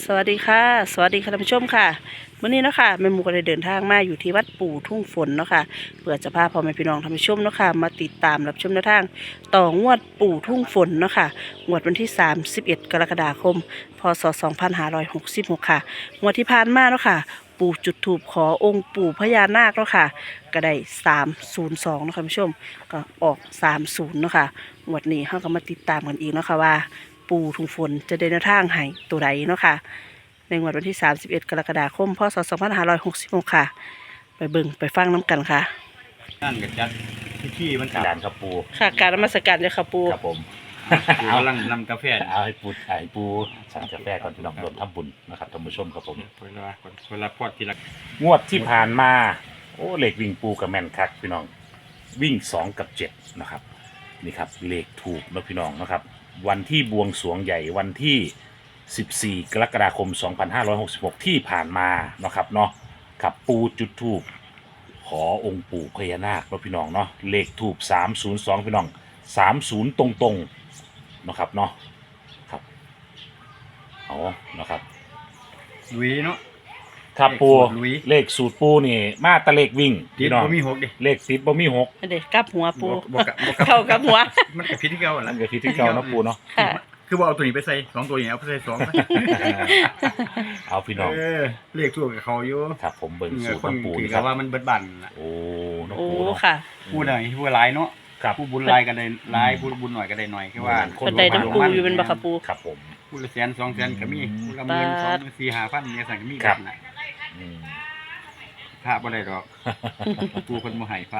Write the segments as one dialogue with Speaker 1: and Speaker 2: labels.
Speaker 1: สวัสดีค่ะสวัสดีค่ะท่านผู้ชมค่ะวันนี้เนาะค่ะแม่หมูก็ได้เดินทางมาอยู่ที่วัดปู่ทุ่งฝนเนาะค่ะเพื่อจะพาพ่อแม่พี่น้องท่านผู้ชมเนาะค่ะมาติดตามรับชมแนวทางต่องวดปู่ทุ่งฝนเนาะค่ะงวดวันที่31กรกฎาคมพศ2566ค่ะงวดที่ผ่านมาเนาะค่ะปู่จุดธูปขอองค์ปู่พญานาคเนาะค่ะก็ได้302เนาะค่ะท่านผู้ชมก็ออก30เนาะค่ะงวดนี้เราก็มาติดตามกันอีกเนาะค่ะว่าปู่ทุ่งฝนจะได้แนวทางให้ตัวใดเนาะค่ะในงวดวันที่31กรกฎาคมพศ2566ค่ะไปเบิ่งไปฟังน้ำกันค่ะ
Speaker 2: นั่นกับจัดที่มัน
Speaker 3: จานครับปู
Speaker 1: ค่ะการนมัสการเจ้าค่ะปู่
Speaker 3: ครับผม
Speaker 2: เอาลังนำกาแฟ
Speaker 3: เอาให้ปูสั่งกาแฟก่อนพี่น้องรวมทำบุญนะครับท่านผู้ชมครับผม
Speaker 2: คนละพอดทีละ
Speaker 3: งวดที่ผ่านมาโอ้เลขวิ่งปูกับแม่นคักพี่น้องวิ่ง2กับ7นะครับนี่ครับเลขถูกนะพี่น้องนะครับวันที่บวงสรวงใหญ่วันที่14กรกฎาคม2566ที่ผ่านมานะครับเนาะกับปูจุดธูปขอองค์ปู่พญานาคนะพี่น้องเนาะเลขถูก302พี่น้อง30ตรงๆนะครับเนาะครับเอานะครับ
Speaker 2: ลุยเนาะ
Speaker 3: ครับปู
Speaker 2: ลุย
Speaker 3: เลขสูตรปูนี่มาแตะเลขวิ่ง
Speaker 2: ติด
Speaker 3: พี่น้อง
Speaker 2: บ่มีหกดิ
Speaker 3: เลขติดบ่มีหก
Speaker 1: เด็กกลับหัวปู่
Speaker 2: บ่กะ
Speaker 1: เข้ากับหัว
Speaker 2: มันกับพิษที่เก่า
Speaker 3: นั่
Speaker 2: ละ
Speaker 3: นก็ที่ที่เก่าเนาะปูเนาะ
Speaker 1: ค่ะ
Speaker 2: คือว่าเอาตัวนี้ไปใส่2ตัวนี้เอาไปใส่2
Speaker 3: เอาพี่น้อง
Speaker 2: เรียกตัวกับเขาอยู่
Speaker 3: ครับผมเบิ่งสูตร
Speaker 2: คน
Speaker 3: น้ำปู
Speaker 2: ถือ
Speaker 3: นี่ค
Speaker 2: กั
Speaker 3: รั
Speaker 2: บบ ว่ามันเบิดบันล่ะ
Speaker 3: โอ้น้ำ
Speaker 1: โอ้
Speaker 3: ปูเนาะ
Speaker 1: ค่ะ
Speaker 2: ผู้ใดผู้หลายเนาะ
Speaker 3: ครับ
Speaker 2: ผู้บุญหลายก็ได้หลายผู้บุญหน่อยก็ได้หน่อยคือว่า
Speaker 1: เพิ่นได้น้ำปูอยู่เป็นบักค่ะปู่
Speaker 3: ครับผม
Speaker 2: ผู้ละแสน2แสนก็มีผู้ละหมื่น
Speaker 1: บาท
Speaker 2: 2 4 5 000เนี่ยสั่งก็มี
Speaker 3: ครับ
Speaker 2: น่ะ
Speaker 3: อืม
Speaker 2: พระบ่ได้ดอกปูคนบ่ให้พระ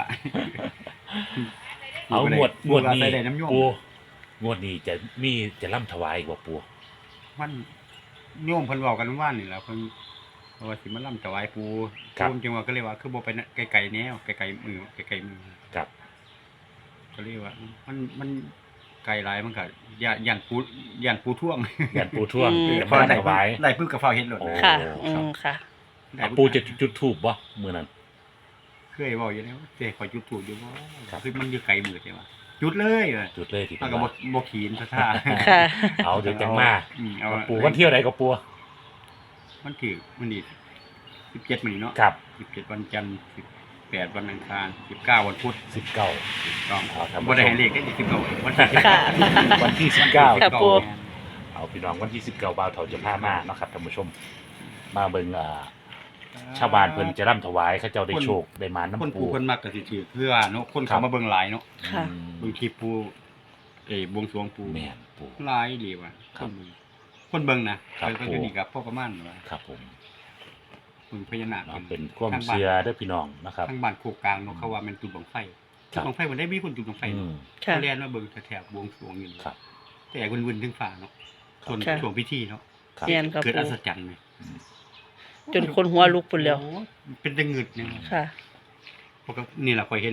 Speaker 3: เอางวดนี้
Speaker 2: ใส่ได้น้ำโยม
Speaker 3: ปูงวดนี้จะล่ำถวายอีกบ่ปู
Speaker 2: มันโยมเพิ่นเว้ากันว่านี่แหละเพิ่นว่าสิมาล่ำถวายปู่ปู่จังว่าก็เลยว่าคือบ่ไปไกลๆแนวไกลๆมือไกลๆมือ
Speaker 3: ครับ
Speaker 2: ก็เลยว่ามันไกลหลายมันก็ย่านปู่ท่วง
Speaker 3: ยันปูท่วง
Speaker 1: อืม
Speaker 3: จะมาล่ำถวาย
Speaker 2: ได้ปึ๊บก็ฟ้าเฮ็ดโลด
Speaker 3: โอ้
Speaker 1: ค่ะอืมค่ะ
Speaker 2: ได้
Speaker 3: ปูจะจุดธูปบ่มื้อนั้น
Speaker 2: เคยเว้าอยู่แล้วเจ้ขอจุดธูปอยู่บ่
Speaker 3: ครับ
Speaker 2: คือมันอยู่ไกลมือใช่ป่ะจุดเลยเออ
Speaker 3: จุดเลยที่
Speaker 2: มัน
Speaker 3: เพิ่น
Speaker 2: ก็
Speaker 3: ว่า
Speaker 2: บ่ขีนซะท่า
Speaker 1: ค่ะ
Speaker 3: เอาเดี๋ยวจังมา
Speaker 2: เอา
Speaker 3: ปูวันเที่ยวไหนก็ปู
Speaker 2: มันถือมันนี่17มื้อนี้เนาะ
Speaker 3: ครับ
Speaker 2: 17วันจันทร์18วันอังคาร19วันพุธ
Speaker 3: 19
Speaker 2: ต้อง
Speaker 3: เอาครับ
Speaker 2: บ่ได้ให้เลขได้19วันที่
Speaker 1: ค่ะ
Speaker 3: วันที่19
Speaker 1: ครับปู่
Speaker 3: เอาพี่น้องวันที่19บ่าวเฒ่าจะพามาเนาะครับท่านผู้ชม มาเบิ่งชาวบ้านเพิ่นจะร่ำถวายเขาเจ้าได้โชคได้มา
Speaker 2: คน
Speaker 3: น้ำปู
Speaker 2: ผู้คนมักก็สิถือเพื่อเนาะคน
Speaker 3: ครั
Speaker 2: เขา
Speaker 3: บ
Speaker 2: มาเบิ่งหลายเนาะ
Speaker 1: ค่ะ
Speaker 2: เบิ่งคลิปปูบวงสรวงปู
Speaker 3: แม่นปู
Speaker 2: หลายดีว่ะ
Speaker 3: ครับ
Speaker 2: คนเบิ่งนะครับ เพิ่น
Speaker 3: ปู่
Speaker 2: อยู่นี่กับพ่อประมาณว่า
Speaker 3: ครับผม
Speaker 2: เบิ่งพญานาค
Speaker 3: เนาะเป็นความเชื่อเด้อพี่น้องนะครับ
Speaker 2: ทางบ้านโคกกลางเนาะเขาว่ามันจุดบังไฟ
Speaker 3: ครั
Speaker 2: จุด
Speaker 3: บ
Speaker 2: บังไฟมันได้มีคนจุดบังไฟ
Speaker 3: อืม
Speaker 1: ค่ะ
Speaker 2: เขาเรียนมาเบิ่งแถวๆบวงสรวงอยู่นี่
Speaker 3: ครับ
Speaker 2: แต่วุ่นๆถึงฟ้าเนาะส่วน
Speaker 1: ค่ะ
Speaker 2: ช่วงพิธีเนาะ
Speaker 3: ครับ
Speaker 1: เรียนครับ
Speaker 2: เกิดอั
Speaker 1: ปู่
Speaker 2: ศจรรย์เลย
Speaker 1: จนคนหัวลุกปุ่นแล้ว
Speaker 2: โอ้เป็นตะงึดเนี่ย
Speaker 1: ค่ะ
Speaker 2: เพราะก็นี่แหละข่อยเห็น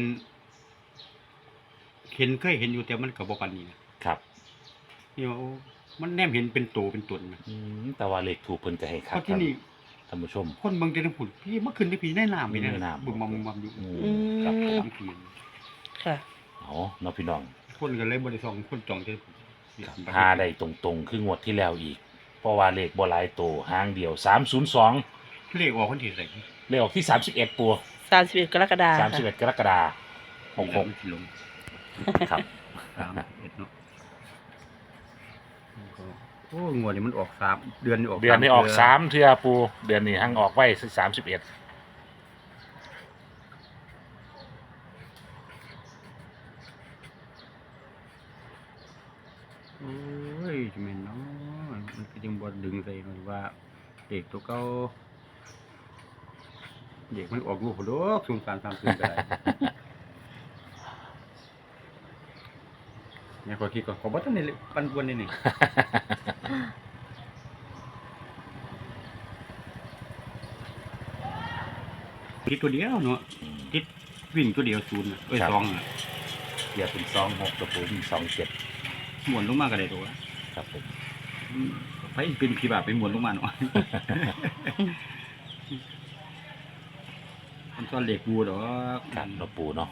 Speaker 2: เคยเห็นอยู่แต่มันก็บ่ปานนี้นะครับ นี่ว่าโอ้มันแนมเห็นเป็นโตเป็นตนนะ
Speaker 3: แต่ว่าเลขถูกเพิ่นก็ให้ค
Speaker 2: เพ
Speaker 3: รับ
Speaker 2: ราะที่นี่
Speaker 3: ท่านผู้ชม
Speaker 2: คนเบิ่งแต่ทั้งผุนพี่เมื่อคืนนี่พี่ได้น้ำพี่ได้
Speaker 3: ได้น้ำ
Speaker 2: บึงมำอยู่
Speaker 3: อืมครับผม
Speaker 2: ตามคืน
Speaker 1: ค่ะ
Speaker 3: เอาเนาะพี่น้อง
Speaker 2: คนก็เลยบ่ได้ส่องคนจองแต่
Speaker 3: พาได้ตรงๆคืองวดที่แล้วอีก เพราะว่าเลขบ่หลายโตหางเดียว302
Speaker 2: เลขออกคนที่ใส่
Speaker 3: เลขออกที่31ปู
Speaker 1: 31กรกฎาคม
Speaker 3: 31กรกฎาคม
Speaker 2: ลง
Speaker 3: 66ครับ
Speaker 2: 31เนาะโอ้งวดนี้มันออก3เดือนนี้ออก
Speaker 3: เดือนนี้ออก
Speaker 2: เทื่
Speaker 3: 3เทื่อปูเดือนนี้หังออกไว้31
Speaker 2: โอ้ยจะแม่นเนาะมันก็ยังบ่ดึงใส่มันว่าเด็กตัวเก่าเด็กมันออกลูกบ่ดอก0330ก็ได้ เนี่ยขอคิดก่อนขอบ่ทันได้ปันป่วนนี่นี่คิดตัวเดียวเนาะคิดวิ่งตัวเดียว0น่ะเอ้ย
Speaker 3: ครับ
Speaker 2: 2น่ะ
Speaker 3: เดี๋ยวเป็น26กับปูมี27
Speaker 2: หมุนลงมาก็ได้ตัว
Speaker 3: ครับผม
Speaker 2: ไปเป็นผีบาปไปหมุนลงมาเนาะมันซ่อนเหล็กบูดอก
Speaker 3: ครับเนาะปูเนาะ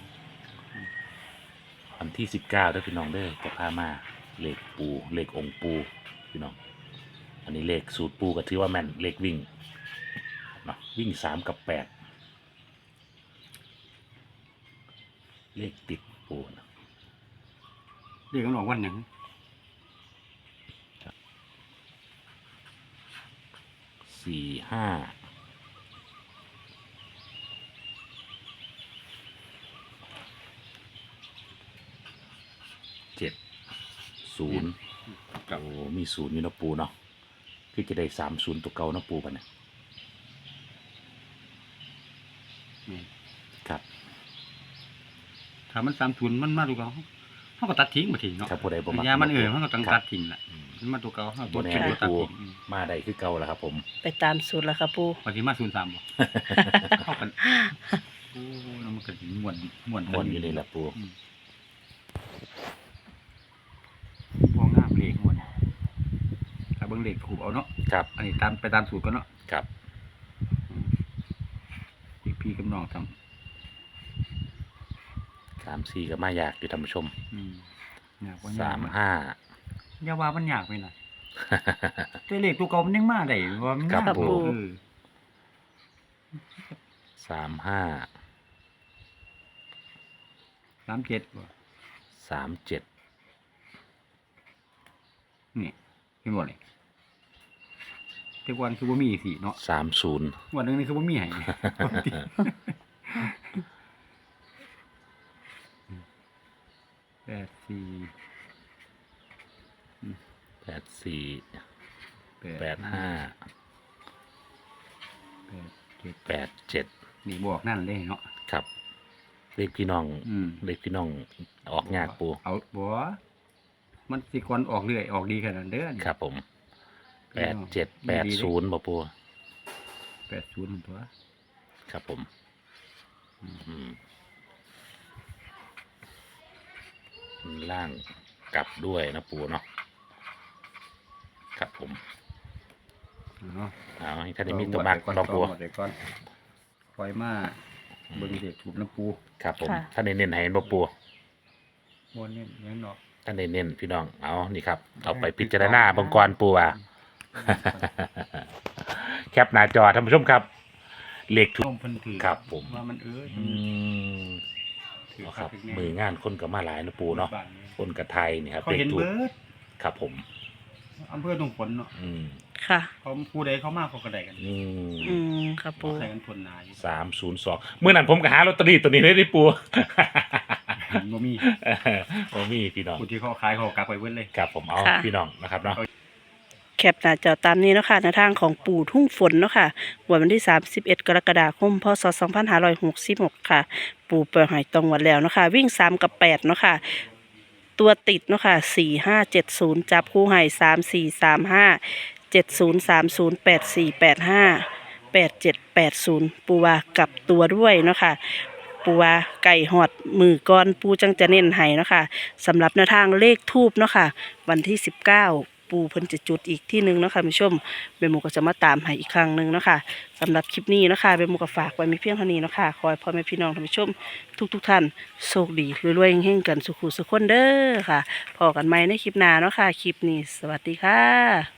Speaker 3: วันที่19เด้อพี่น้องเด้อจะพามาเลขปูเลของค์ปูพี่น้องอันนี้เลขสูตรปูก็ถือว่าแม่นเลขวิ่งเนาะวิ่ง3 กับ 8เลขติดปูนะ
Speaker 2: เรียกกันออกวันหยัง
Speaker 3: 4 5 7 0
Speaker 2: กับ
Speaker 3: โอ้มี0อยู่เนาะปูเนาะคือจะได้30ตัวเก่าเนาะปูปะเนี่ย
Speaker 2: นี่
Speaker 3: ครับ
Speaker 2: ถ้ามัน30มันมาตัวเก่าเฮาก็ตัดทิ้งบ่ทิ้งเนาะ
Speaker 3: ถ้าผู้ใดบ่มัก
Speaker 2: ยามันเฮาก็ต้อง
Speaker 3: ครั
Speaker 2: ตั
Speaker 3: บ
Speaker 2: ดทิ้งล่ะ
Speaker 3: อืม
Speaker 2: มันมาตัวเก่าเฮา
Speaker 3: บ่แน่
Speaker 2: เป็น
Speaker 3: ได้
Speaker 2: ตัวตัด
Speaker 3: ปู
Speaker 2: ทิ้ง
Speaker 3: มาได้คือเก่าแล้วครับผม
Speaker 1: ไปตามสูตรแล้วค่ะปู
Speaker 2: ปฏิมา03บ่เข้ากันโอ้แล้วมันก็สิม่วนม่วน
Speaker 3: ม่วนอยู่นี่แหละปู
Speaker 2: อืมบ่งามเลขม่วนถ้าเบิ่งเลขถูกเอาเนาะ
Speaker 3: ครับ
Speaker 2: อันนี้ไปตามสูตรก่อนเนาะ
Speaker 3: ครับ
Speaker 2: พี่กับน้องทำ
Speaker 3: 3 4ก็มายากอยู่ท่านผู้ชม
Speaker 2: อยากว่า
Speaker 3: 3
Speaker 2: อย่าว่ามันยากไปน่ะแต่เลขตัวเก่ามันยังมาได้ว่ามัน
Speaker 3: ครับ
Speaker 2: ยาก
Speaker 3: ผม
Speaker 2: เออ
Speaker 3: 5
Speaker 2: 37บ่
Speaker 3: 3 7
Speaker 2: นี่เห็นบ่นี่แต่วันคือบ่มีสิเนาะ
Speaker 3: 3 0
Speaker 2: วันหนึงนี่คือบ่มีให้ 84
Speaker 3: 8 4 8 5 8 7
Speaker 2: นี่บอกนั่นเลยเนาะ
Speaker 3: ครับเลขพี่น้อง
Speaker 2: อืม
Speaker 3: เลขพี่น้องออกยากปู
Speaker 2: เอาบ่มันสิก่อนออกเรื่อยออกดีขนาดนั้นเด้อนี่
Speaker 3: ครับผม
Speaker 2: พี่น้อง
Speaker 3: 8 7 8 0บ่ปู
Speaker 2: 80ตัว
Speaker 3: ครับผมอืมล่างกลับด้วยนะปูเนาะครับผม
Speaker 2: เนาะ
Speaker 3: เอาให้ท่านได้มีตัวมากลองปู
Speaker 2: หมดเลยก่อนคอยมาเบิ่งเด็กถูกน้ำปู
Speaker 3: ครับผมท่านได้เน้นให้เห็นบ่ปู
Speaker 2: บ่เน้นยังดอก
Speaker 3: ท่านได้เน้นพี่น้องเอานี่ครับเอาไปพิจารณาเบังกรปูว่า แคปหน้าจอท่านผู้ชมครับเลขถู
Speaker 2: ต้
Speaker 3: ก
Speaker 2: มเพิ่นถือ
Speaker 3: ครับผม
Speaker 2: ว่ามัน
Speaker 3: อืม
Speaker 2: ถือ
Speaker 3: เอา
Speaker 2: ค
Speaker 3: ค
Speaker 2: รั
Speaker 3: รั
Speaker 2: บบ
Speaker 3: มืองานคนกับมาหลายนะปูเนาะ
Speaker 2: บ้นี้
Speaker 3: คนกับไทยนี่ครับ
Speaker 2: เขาเห็น
Speaker 3: ถูก
Speaker 2: เบิด
Speaker 3: ครับผม
Speaker 2: อำเภอตรงฝนเนาะ
Speaker 3: อืม
Speaker 1: ค่ะ
Speaker 2: เขาผู้ใดเขามาเขาก็ได้กัน
Speaker 3: อืม
Speaker 1: อืมค่ะปู
Speaker 2: ใส่กันทวนนาย
Speaker 3: 302เมื่อนั้นผมก็หาลอตเตอรี่ตัวนี้เลยดิปู
Speaker 2: บ่มี
Speaker 3: โอ้มีพี่น้อง
Speaker 2: ผู้ที่เขาขายเขากักไว้เบิดเลย
Speaker 3: ครับผมเอาพี่น้องนะครับเนาะ
Speaker 1: แคปหน้าจอตามนี้เนาะค่ะในทางของปู่ทุ่งฝนเนาะค่ะวันที่31 กรกฎาคมพศ2566ค่ะ ปู่เปิดหอยตรงวันแล้วเนาะค่ะวิ่ง3 กับ 8เนาะค่ะตัวติดเนาะค่ะ4570จับคู่ให้3435 7030 8485 8780ปูว่ากลับตัวด้วยเนาะค่ะปูว่าไก่หอดมือก้อนปูจังจะเน้นให้เนาะค่ะสำหรับแนวทางเลขทูบเนาะค่ะวันที่19ปูเพิ่นจะจุดอีกที่หนึ่งเนาะค่ะคุณผู้ชมเบลหมูก็จะมาตามให้อีกครั้งหนึ่งเนาะค่ะสำหรับคลิปนี้เนาะค่ะเบลหมูก็ฝากไว้มีเพียงเท่านี้เนาะค่ะขอให้พ่อแม่พี่น้องท่านผู้ชมทุกท่านโชคดีรวยๆเฮงๆกันสุขุสุขคนเด้อค่ะพอกันใหม่ในคลิปหน้าเนาะค่ะคลิปนี้สวัสดีค่ะ